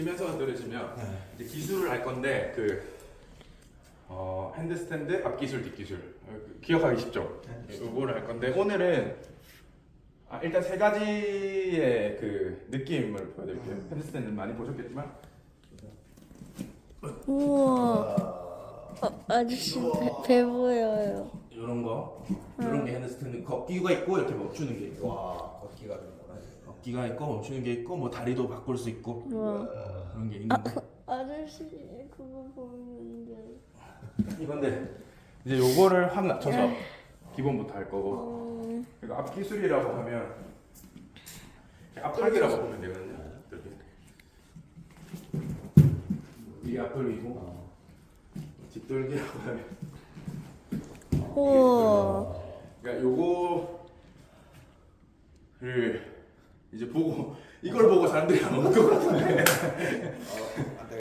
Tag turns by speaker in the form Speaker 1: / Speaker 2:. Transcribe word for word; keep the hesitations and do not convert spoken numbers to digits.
Speaker 1: 면서 들으시면
Speaker 2: 네.
Speaker 1: 이제 기술을 알 건데 그 어, 핸드스탠드 앞기술 뒷기술 어, 그 기억하기 쉽죠? 이거를 할 건데 오늘은 아, 일단 세 가지의 그 느낌을 보여드릴게요.
Speaker 2: 음.
Speaker 1: 핸드스탠드 많이 보셨겠지만
Speaker 3: 우와. 어, 아저씨 배, 배 보여요.
Speaker 1: 이런 거 이런 게 핸드스탠드 걷기가 있고 이렇게 멈추는 게 있고
Speaker 2: 와, 걷기가 되는구나.
Speaker 1: 걷기가 있고 멈추는 게 있고 뭐 다리도 바꿀 수 있고
Speaker 3: 우와.
Speaker 1: 그런 게 있는데
Speaker 3: 아저씨 그거 보이는데.
Speaker 1: 이건데 이제 요거를 확 낮춰서 기본부터 할 거고
Speaker 3: 음,
Speaker 1: 그리고 앞기술이라고 하면 앞돌기라고 보면 되거든요. 이렇게 이게 앞돌기고 뒷돌기라고 하면
Speaker 3: 우와.
Speaker 1: 그러니까 요거를 이제 보고 이걸 보고 사람들이 안 오는 것 같은데